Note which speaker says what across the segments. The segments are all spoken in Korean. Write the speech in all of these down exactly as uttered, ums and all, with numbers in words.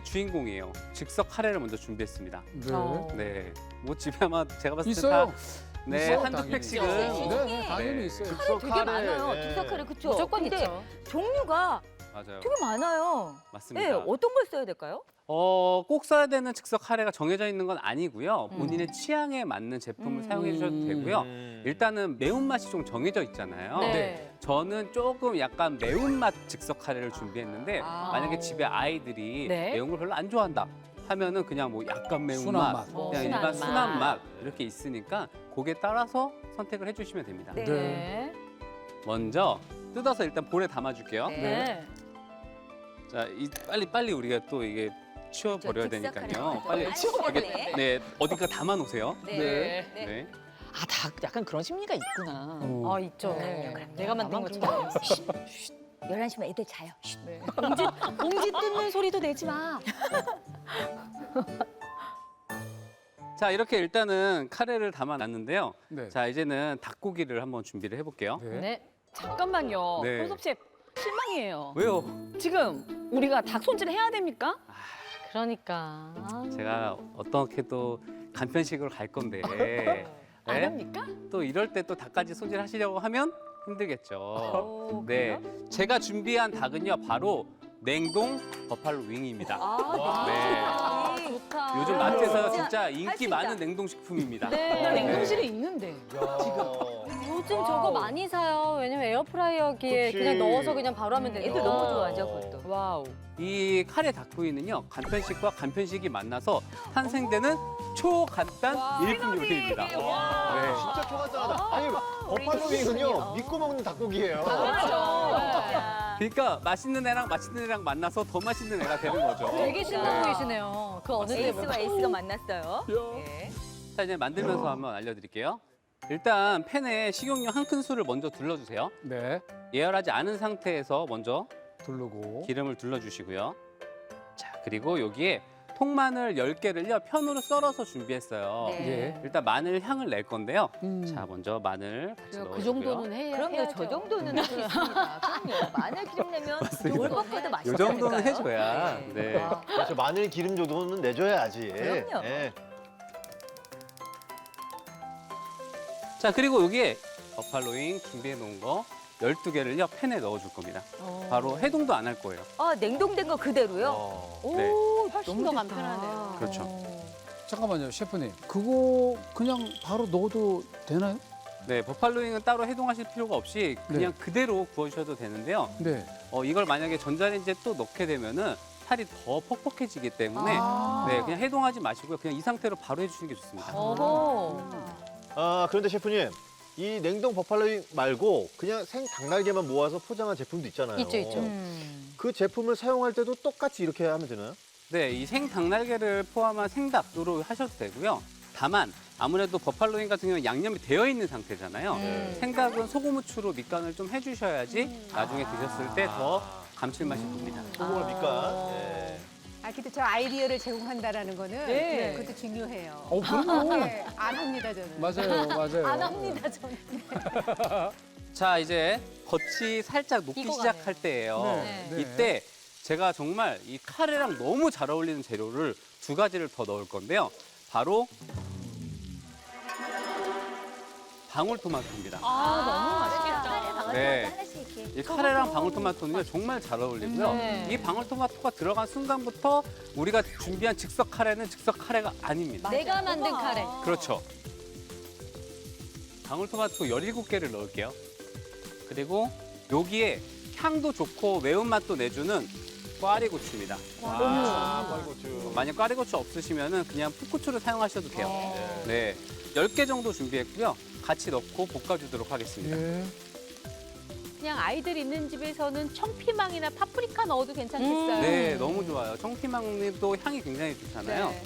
Speaker 1: 주인공이에요. 즉석 카레를 먼저 준비했습니다.
Speaker 2: 네.
Speaker 3: 어.
Speaker 1: 네, 뭐 집에 아마 제가 봤을 때
Speaker 2: 있어요.
Speaker 1: 다 네,
Speaker 2: 있어요,
Speaker 1: 한두
Speaker 2: 당연히.
Speaker 1: 팩씩은
Speaker 2: 네, 네, 당연히
Speaker 1: 네.
Speaker 2: 있어요.
Speaker 4: 즉석
Speaker 5: 되게
Speaker 4: 카레,
Speaker 5: 많아요.
Speaker 4: 네.
Speaker 5: 즉석 카레 그쵸?
Speaker 3: 무조건
Speaker 5: 근데
Speaker 3: 있죠.
Speaker 5: 종류가
Speaker 1: 맞아요.
Speaker 5: 되게 많아요.
Speaker 1: 맞습니다.
Speaker 5: 네, 어떤 걸 써야 될까요?
Speaker 1: 어, 꼭 써야 되는 즉석 카레가 정해져 있는 건 아니고요.
Speaker 5: 음.
Speaker 1: 본인의 취향에 맞는 제품을
Speaker 5: 음.
Speaker 1: 사용해 주셔도 되고요.
Speaker 4: 음.
Speaker 1: 일단은 매운맛이 좀 정해져 있잖아요.
Speaker 3: 네.
Speaker 1: 저는 조금 약간 매운맛 즉석 카레를 준비했는데
Speaker 5: 아.
Speaker 1: 만약에 집에 아이들이
Speaker 3: 네.
Speaker 1: 매운 걸 별로 안 좋아한다 하면은 그냥 뭐 약간 매운맛,
Speaker 2: 순한 맛.
Speaker 1: 그냥
Speaker 3: 어,
Speaker 1: 일반
Speaker 3: 순한
Speaker 1: 순한
Speaker 3: 맛.
Speaker 1: 맛 이렇게 있으니까 그에 따라서 선택을 해주시면 됩니다.
Speaker 5: 네.
Speaker 3: 네.
Speaker 1: 먼저 뜯어서 일단 볼에 담아줄게요.
Speaker 5: 네.
Speaker 3: 네.
Speaker 1: 자, 이, 빨리 빨리 우리가 또 이게 치워버려야
Speaker 5: 저 즉석
Speaker 1: 되니까요.
Speaker 5: 카레
Speaker 1: 빨리
Speaker 5: 치워버리네.
Speaker 1: 이렇게, 네, 어디가 담아놓으세요.
Speaker 5: 네.
Speaker 2: 네.
Speaker 5: 네.
Speaker 1: 네.
Speaker 3: 아, 다 약간 그런 심리가 있구나.
Speaker 2: 어.
Speaker 3: 아, 있죠.
Speaker 5: 그럼요, 그럼요.
Speaker 3: 내가 만든 것처럼.
Speaker 5: 열한 시면 애들 자요. 쉿.
Speaker 3: 네. 봉지, 봉지 뜯는 소리도 내지 마.
Speaker 1: 자, 이렇게 일단은 카레를 담아놨는데요.
Speaker 2: 네.
Speaker 1: 자, 이제는 닭고기를 한번 준비를 해볼게요.
Speaker 2: 네.
Speaker 3: 네. 잠깐만요.
Speaker 1: 네.
Speaker 3: 손섭 셰프 실망이에요.
Speaker 1: 왜요?
Speaker 3: 지금 우리가 닭 손질 해야 됩니까? 그러니까.
Speaker 1: 제가 어떻게도 간편식으로 갈 건데
Speaker 3: 안
Speaker 1: 네?
Speaker 3: 합니까?
Speaker 1: 또 이럴 때 또 닭까지 손질하시려고 하면 힘들겠죠.
Speaker 5: 오,
Speaker 1: 네,
Speaker 5: 그래요?
Speaker 1: 제가 준비한 닭은요 바로 냉동 버팔로 윙입니다.
Speaker 5: 아,
Speaker 1: 네.
Speaker 5: 네.
Speaker 3: 좋다.
Speaker 1: 요즘
Speaker 5: 아,
Speaker 1: 마트에서
Speaker 5: 진짜
Speaker 1: 진짜
Speaker 5: 할수
Speaker 1: 인기
Speaker 5: 있다.
Speaker 1: 많은 냉동 식품입니다.
Speaker 3: 네. 나 냉동실에 있는데.
Speaker 6: 요즘
Speaker 5: 와우.
Speaker 6: 저거 많이 사요. 왜냐면 에어프라이어기에
Speaker 4: 그치.
Speaker 6: 그냥 넣어서 그냥 바로 하면 되니까.
Speaker 5: 애들 너무 좋아하죠, 그것도.
Speaker 3: 와우.
Speaker 1: 이 카레 닭구이는요 간편식과 간편식이 만나서 탄생되는 초간단 일품 요리입니다. 네.
Speaker 4: 진짜 초간단하다. 아니, 버팔로윙은요, 믿고 먹는 닭고기예요.
Speaker 5: 야.
Speaker 1: 그러니까 맛있는 애랑 맛있는 애랑 만나서 더 맛있는 애가 되는 거죠.
Speaker 6: 되게 신나 보이시네요. 그 어느
Speaker 5: 에이스와
Speaker 6: 때보다.
Speaker 5: 에이스가 만났어요. 예.
Speaker 1: 자, 이제 만들면서 한번 알려드릴게요. 일단 팬에 식용유 한 큰술을 먼저 둘러주세요.
Speaker 2: 네.
Speaker 1: 예열하지 않은 상태에서 먼저
Speaker 2: 두르고.
Speaker 1: 기름을 둘러주시고요. 자, 그리고 여기에 통마늘 열 개를요 편으로 썰어서 준비했어요.
Speaker 5: 네.
Speaker 2: 예.
Speaker 1: 일단 마늘 향을 낼 건데요.
Speaker 2: 음.
Speaker 1: 자, 먼저 마늘 같이 넣어주고요.
Speaker 6: 그 정도는 해야
Speaker 5: 그럼요,
Speaker 6: 해야죠.
Speaker 5: 저 정도는 할 수 있습니다. 그럼요, 마늘 기름 내면
Speaker 1: 맞습니다.
Speaker 5: 월급보다
Speaker 1: 이
Speaker 5: 맛있어요.
Speaker 1: 정도는 해줘야. 네.
Speaker 4: 그렇죠. 마늘 기름 정도는 내줘야지.
Speaker 5: 그럼요.
Speaker 4: 예.
Speaker 1: 자, 그리고 여기에 버팔로잉 준비해 놓은 거 열두 개를요 팬에 넣어줄 겁니다. 바로 해동도 안 할 거예요.
Speaker 5: 아, 냉동된 거 그대로요?
Speaker 4: 어.
Speaker 5: 오,
Speaker 1: 네.
Speaker 3: 훨씬 더 간편하네요.
Speaker 1: 그렇죠.
Speaker 2: 잠깐만요, 셰프님. 그거 그냥 바로 넣어도 되나요?
Speaker 1: 네, 버팔로잉은 따로 해동하실 필요가 없이 그냥 그대로 구워주셔도 되는데요.
Speaker 2: 네.
Speaker 1: 어, 이걸 만약에 전자레인지에 또 넣게 되면은 살이 더 퍽퍽해지기 때문에
Speaker 5: 아.
Speaker 1: 네, 그냥 해동하지 마시고요. 그냥 이 상태로 바로 해주시는 게 좋습니다.
Speaker 6: 어허.
Speaker 4: 아, 그런데 셰프님, 이 냉동 버팔로윙 말고 그냥 생 닭날개만 모아서 포장한 제품도 있잖아요.
Speaker 6: 있죠, 있죠.
Speaker 5: 음.
Speaker 4: 그 제품을 사용할 때도 똑같이 이렇게 하면 되나요?
Speaker 1: 네, 이 생 닭날개를 포함한 생닭으로 하셔도 되고요. 다만 아무래도 버팔로잉 같은 경우는 양념이 되어 있는 상태잖아요.
Speaker 5: 음.
Speaker 1: 생닭은 소금 후추로 밑간을 좀 해주셔야지 나중에 드셨을 때 더 감칠맛이 돕니다.
Speaker 4: 소금을 밑간. 예.
Speaker 7: 아, 근데 저 아이디어를 제공한다라는 거는
Speaker 3: 네.
Speaker 7: 그것도 중요해요.
Speaker 2: 어, 그럼요.
Speaker 7: 네, 안 합니다, 저는.
Speaker 2: 맞아요, 맞아요.
Speaker 6: 안 합니다, 저는.
Speaker 1: 자, 이제 겉이 살짝 녹기
Speaker 6: 익어가네요.
Speaker 1: 시작할 때예요.
Speaker 2: 네, 네.
Speaker 1: 이때 제가 정말 이 카레랑 너무 잘 어울리는 재료를 두 가지를 더 넣을 건데요. 바로 방울토마토입니다.
Speaker 3: 아, 너무 맛있겠다.
Speaker 1: 네.
Speaker 5: 하나씩 이렇게.
Speaker 1: 이 카레랑 방울토마토는요 정말 잘 어울리고요.
Speaker 6: 네.
Speaker 1: 이 방울토마토가 들어간 순간부터 우리가 준비한 즉석 카레는 즉석 카레가 아닙니다.
Speaker 6: 내가 만든 카레.
Speaker 1: 그렇죠. 방울토마토 열일곱 개를 넣을게요. 그리고 여기에 향도 좋고 매운맛도 내주는 꽈리고추입니다.
Speaker 4: 아, 꽈리고추.
Speaker 1: 만약 꽈리고추 없으시면 그냥 풋고추를 사용하셔도 돼요. 네, 열 개 정도 준비했고요. 같이 넣고 볶아주도록 하겠습니다.
Speaker 2: 예.
Speaker 6: 그냥 아이들 있는 집에서는 청피망이나 파프리카 넣어도 괜찮겠어요.
Speaker 1: 네, 너무 좋아요. 청피망도 향이 굉장히 좋잖아요.
Speaker 6: 네.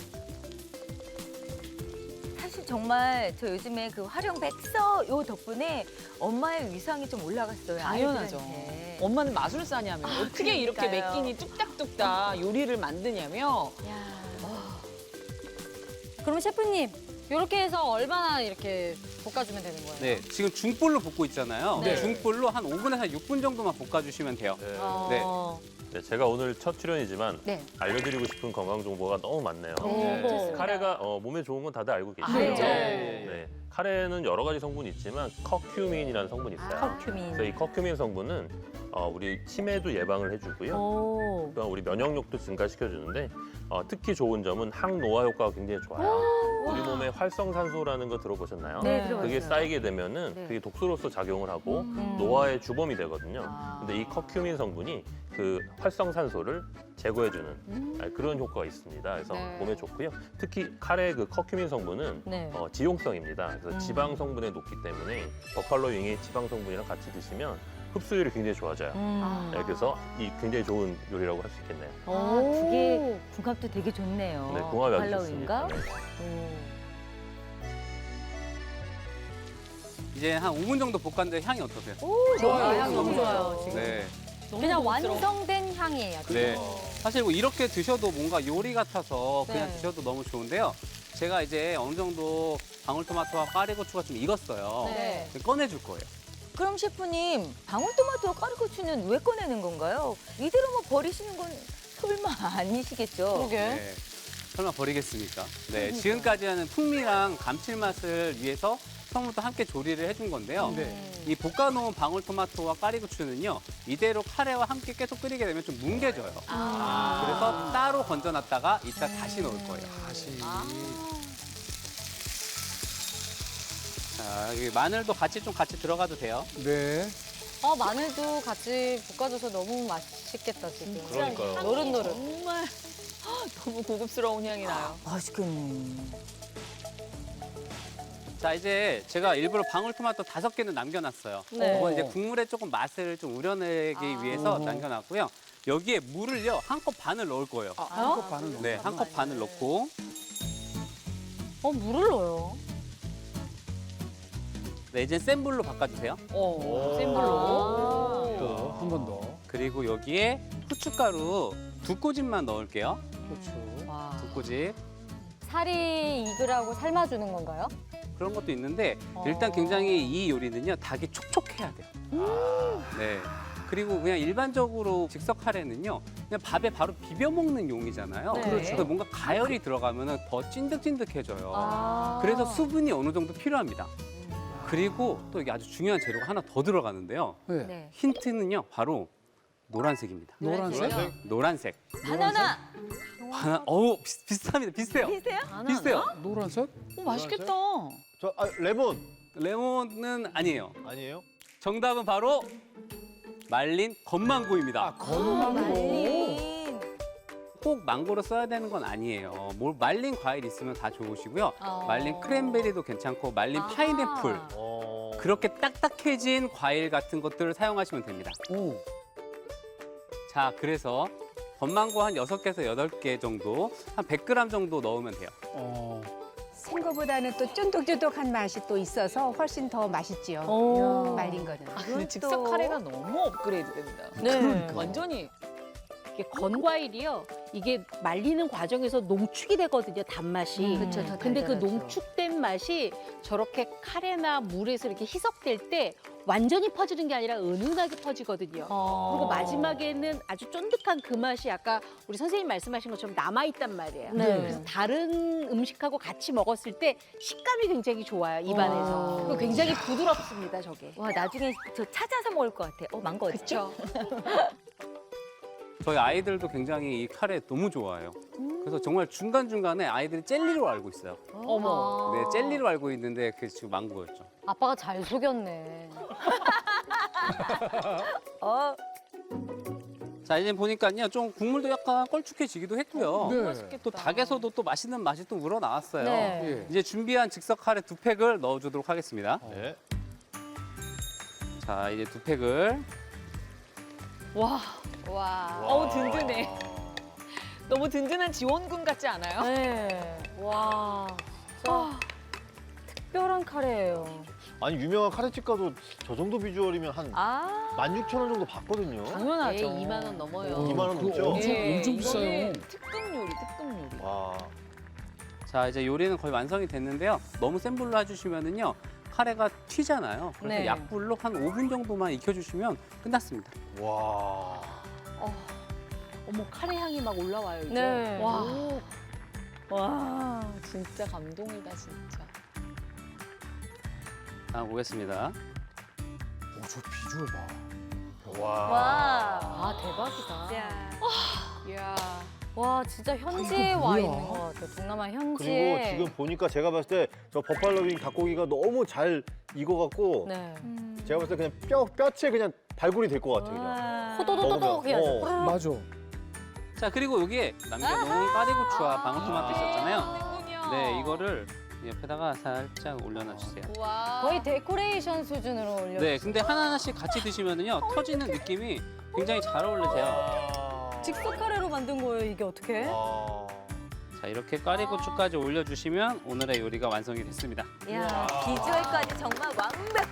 Speaker 5: 사실 정말 저 요즘에 그 활용 백서 요 덕분에 엄마의 위상이 좀 올라갔어요.
Speaker 3: 당연하죠.
Speaker 5: 아이들한테.
Speaker 3: 엄마는 마술사냐면 어떻게 이렇게
Speaker 5: 그러니까요.
Speaker 3: 몇 끼니 뚝딱뚝딱 요리를 만드냐며.
Speaker 6: 그럼 셰프님,
Speaker 3: 이렇게 해서 얼마나 이렇게 볶아주면 되는 거예요?
Speaker 1: 네, 지금 중불로 볶고 있잖아요.
Speaker 3: 네.
Speaker 1: 중불로 한 오 분에서 육 분 정도만 볶아주시면 돼요.
Speaker 8: 네.
Speaker 3: 어.
Speaker 8: 네, 제가 오늘 첫 출연이지만
Speaker 7: 네.
Speaker 8: 알려드리고 싶은 건강 정보가 너무 많네요.
Speaker 3: 오.
Speaker 8: 카레가 어, 몸에 좋은 건 다들 알고 계시죠?
Speaker 3: 알죠.
Speaker 8: 네. 카레는 여러 가지 성분이 있지만 커큐민이라는 성분이 있어요.
Speaker 5: 커큐민.
Speaker 8: 그래서 이 커큐민 성분은 어, 우리 치매도 예방을 해주고요.
Speaker 3: 오.
Speaker 8: 또한 우리 면역력도 증가시켜주는데 어, 특히 좋은 점은 항노화 효과가 굉장히 좋아요. 우리 몸에 활성산소라는 거 들어보셨나요?
Speaker 5: 네, 들어봤어요.
Speaker 8: 그게 쌓이게 되면은
Speaker 5: 네.
Speaker 8: 그게 독소로서 작용을 하고
Speaker 5: 음.
Speaker 8: 노화의 주범이 되거든요.
Speaker 3: 아.
Speaker 8: 근데 이 커큐민 성분이 그 활성산소를 제거해주는
Speaker 3: 음.
Speaker 8: 아, 그런 효과가 있습니다. 그래서
Speaker 7: 네.
Speaker 8: 몸에 좋고요. 특히 카레 그 커큐민 성분은
Speaker 3: 네.
Speaker 8: 어, 지용성입니다. 그래서
Speaker 3: 음.
Speaker 8: 지방 성분에 높기 때문에 버팔로 윙이 지방 성분이랑 같이 드시면 흡수율이 굉장히 좋아져요.
Speaker 3: 음.
Speaker 8: 네, 그래서 이 굉장히 좋은 요리라고 할 수 있겠네요.
Speaker 5: 아, 그게 궁합도 되게 좋네요.
Speaker 8: 네, 궁합이 아주
Speaker 5: 팔로우인가?
Speaker 8: 좋습니다. 네.
Speaker 1: 이제 한 오 분 정도 볶았는데 향이 어떠세요?
Speaker 3: 좋아요. 향 너무 좋아요. 지금.
Speaker 1: 네.
Speaker 3: 그냥 완성된 향이에요. 지금.
Speaker 1: 네. 사실 뭐 이렇게 드셔도 뭔가 요리 같아서 그냥
Speaker 3: 네.
Speaker 1: 드셔도 너무 좋은데요. 제가 이제 어느 정도 방울토마토와 까리고추가 좀 익었어요.
Speaker 3: 네.
Speaker 1: 꺼내줄 거예요.
Speaker 5: 그럼 셰프님, 방울토마토와 까르고추는 왜 꺼내는 건가요? 이대로 뭐 버리시는 건 설마 아니시겠죠?
Speaker 3: 그러게.
Speaker 1: 네. 설마 버리겠습니까? 네. 지금까지는 풍미랑 감칠맛을 위해서 처음부터 함께 조리를 해준 건데요.
Speaker 2: 네.
Speaker 1: 이 볶아놓은 방울토마토와 까리고추는요, 이대로 카레와 함께 계속 끓이게 되면 좀 뭉개져요.
Speaker 3: 아.
Speaker 1: 그래서 따로 건져놨다가 이따 다시 넣을 거예요.
Speaker 2: 다시.
Speaker 1: 자, 여기 마늘도 같이 좀 같이 들어가도 돼요.
Speaker 2: 네.
Speaker 3: 어, 마늘도 같이 볶아줘서 너무 맛있겠다, 지금.
Speaker 8: 그러니까요.
Speaker 3: 노릇노릇.
Speaker 6: 정말 너무 고급스러운 향이 나요.
Speaker 5: 맛있겠네.
Speaker 1: 자, 이제 제가 일부러 방울토마토 다섯 개는 남겨놨어요.
Speaker 3: 네.
Speaker 1: 이건 이제 국물에 조금 맛을 좀 우려내기
Speaker 3: 아.
Speaker 1: 위해서
Speaker 2: 어허.
Speaker 1: 남겨놨고요. 여기에 물을요, 한 컵 반을 넣을 거예요.
Speaker 2: 아, 한컵 반을 넣어.
Speaker 1: 네, 한 컵 반을 넣고.
Speaker 3: 어, 물을 넣어요.
Speaker 1: 네, 이제 센 불로 바꿔주세요.
Speaker 6: 어, 센
Speaker 3: 아.
Speaker 6: 불로.
Speaker 2: 또 한 번 더.
Speaker 1: 그리고 여기에 후춧가루 두 꼬집만 넣을게요.
Speaker 2: 고추.
Speaker 3: 와.
Speaker 1: 두 꼬집.
Speaker 3: 살이 익으라고 삶아주는 건가요?
Speaker 1: 그런 것도 있는데
Speaker 3: 어.
Speaker 1: 일단 굉장히 이 요리는요, 닭이 촉촉해야 돼요. 네. 그리고 그냥 일반적으로 즉석 카레는요, 그냥 밥에 바로 비벼 먹는 용이잖아요.
Speaker 3: 네.
Speaker 1: 그렇죠. 근데 뭔가 가열이 들어가면 더 찐득찐득해져요.
Speaker 3: 아.
Speaker 1: 그래서 수분이 어느 정도 필요합니다. 그리고 또 이게 아주 중요한 재료가 하나 더 들어가는데요.
Speaker 2: 네.
Speaker 5: 네.
Speaker 1: 힌트는요, 바로 노란색입니다.
Speaker 2: 노란색.
Speaker 1: 노란색.
Speaker 5: 바나나
Speaker 1: 하나, 어우, 비슷, 비슷합니다. 비슷해요.
Speaker 5: 비슷해요?
Speaker 1: 비슷해요.
Speaker 2: 노란색?
Speaker 6: 어, 맛있겠다.
Speaker 4: 저 아, 레몬
Speaker 1: 레몬은 아니에요.
Speaker 4: 아니에요?
Speaker 1: 정답은 바로 말린 건망고입니다.
Speaker 5: 말린.
Speaker 1: 꼭 망고로 써야 되는 건 아니에요. 뭘 말린 과일 있으면 다 좋으시고요.
Speaker 3: 어.
Speaker 1: 말린 크랜베리도 괜찮고 말린
Speaker 3: 아하.
Speaker 1: 파인애플
Speaker 4: 어.
Speaker 1: 그렇게 딱딱해진 과일 같은 것들을 사용하시면 됩니다.
Speaker 2: 오.
Speaker 1: 자, 그래서 건망고 한 여섯 개에서 여덟 개 정도, 한 백 그램 정도 넣으면 돼요.
Speaker 2: 어.
Speaker 7: 생거보다는 또 쫀득쫀득한 맛이 또 있어서 훨씬 더 맛있지요.
Speaker 3: 오.
Speaker 7: 말린 거는.
Speaker 6: 아, 근데 즉석 카레가 너무 업그레이드 됩니다.
Speaker 3: 네.
Speaker 6: 완전히. 이게 건과일이요. 이게 말리는 과정에서 농축이 되거든요, 단맛이.
Speaker 3: 음.
Speaker 5: 그쵸, 더
Speaker 6: 근데 그
Speaker 5: 달달하죠.
Speaker 6: 농축된 맛이 저렇게 카레나 물에서 이렇게 희석될 때 완전히 퍼지는 게 아니라 은은하게 퍼지거든요.
Speaker 3: 어.
Speaker 6: 그리고 마지막에는 아주 쫀득한 그 맛이 아까 우리 선생님 말씀하신 것처럼 남아있단 말이에요.
Speaker 3: 네.
Speaker 6: 그래서 다른 음식하고 같이 먹었을 때 식감이 굉장히 좋아요, 입안에서.
Speaker 3: 와.
Speaker 6: 그리고 굉장히 부드럽습니다, 저게.
Speaker 5: 와, 나중에 저 찾아서 먹을 것 같아. 어, 망고 어딨지?
Speaker 6: 그렇죠.
Speaker 1: 저희 아이들도 굉장히 이 카레 너무 좋아해요. 그래서 정말 중간중간에 아이들이 젤리로 알고 있어요.
Speaker 6: 어머.
Speaker 1: 네, 젤리로 알고 있는데 그게 지금 망고였죠.
Speaker 3: 아빠가 잘 속였네.
Speaker 5: 어,
Speaker 1: 자, 이제 보니까요, 좀 국물도 약간 걸쭉해지기도 했고요.
Speaker 2: 네.
Speaker 6: 맛있겠다.
Speaker 1: 또 닭에서도 또 맛있는 맛이 또 우러나왔어요.
Speaker 3: 네.
Speaker 2: 예.
Speaker 1: 이제 준비한 즉석 카레 두 팩을 넣어주도록 하겠습니다.
Speaker 4: 네.
Speaker 1: 자, 이제 두 팩을.
Speaker 6: 와,
Speaker 3: 와.
Speaker 6: 어우, 든든해. 너무 든든한 지원군 같지 않아요?
Speaker 3: 네. 와. 진짜 특별한 카레예요.
Speaker 4: 아니 유명한 카레집 가도 저 정도 비주얼이면 한
Speaker 5: 아.
Speaker 4: 만 육천 원 정도 받거든요.
Speaker 6: 당연하죠. 네, 이만 원 넘어요.
Speaker 2: 어,
Speaker 4: 이만 원
Speaker 2: 그거
Speaker 4: 넘죠?
Speaker 2: 엄청,
Speaker 6: 예,
Speaker 2: 엄청
Speaker 6: 이거는
Speaker 2: 비싸요.
Speaker 6: 특급 요리, 특급 요리.
Speaker 4: 와.
Speaker 1: 자, 이제 요리는 거의 완성이 됐는데요. 너무 센 불로 해주시면은요, 카레가 튀잖아요. 그래서
Speaker 3: 네.
Speaker 1: 약불로 한 오 분 정도만 익혀주시면 끝났습니다.
Speaker 4: 와.
Speaker 3: 어머 카레 향이 막 올라와요 이제.
Speaker 5: 네.
Speaker 3: 와. 와 진짜 감동이다 진짜.
Speaker 1: 자, 보겠습니다.
Speaker 2: 오, 저 비주얼 봐.
Speaker 4: 와.
Speaker 5: 와.
Speaker 3: 아 대박이다.
Speaker 5: 야.
Speaker 3: 이야.
Speaker 5: 와 진짜 현지에
Speaker 2: 이거
Speaker 5: 와
Speaker 2: 뭐야?
Speaker 5: 있는 것 같아요. 동남아
Speaker 4: 그리고
Speaker 5: 현지에.
Speaker 4: 지금 보니까 제가 봤을 때 저 버팔로윙 닭고기가 너무 잘 익어갖고
Speaker 5: 네.
Speaker 4: 제가 봤을 때 그냥 뼈 뼈째 그냥 발굴이 될 것 같아 그냥.
Speaker 5: 와. 호도도도도 그냥.
Speaker 4: 먹으면, 어.
Speaker 2: 맞아.
Speaker 1: 자, 그리고 여기에 남겨놓은 까리고추와 방울토마토 있었잖아요. 네, 이거를 옆에다가 살짝 올려놔주세요.
Speaker 3: 거의 데코레이션 수준으로 올려.
Speaker 1: 네, 근데 하나하나씩 같이 드시면은요, 터지는 느낌이 굉장히 잘 어울리세요.
Speaker 5: 즉석 카레로 만든 거예요. 이게 어떻게?
Speaker 4: 아.
Speaker 1: 자, 이렇게 까리고추까지 올려주시면 오늘의 요리가 완성이 됐습니다.
Speaker 5: 야 비주얼까지 정말 완벽.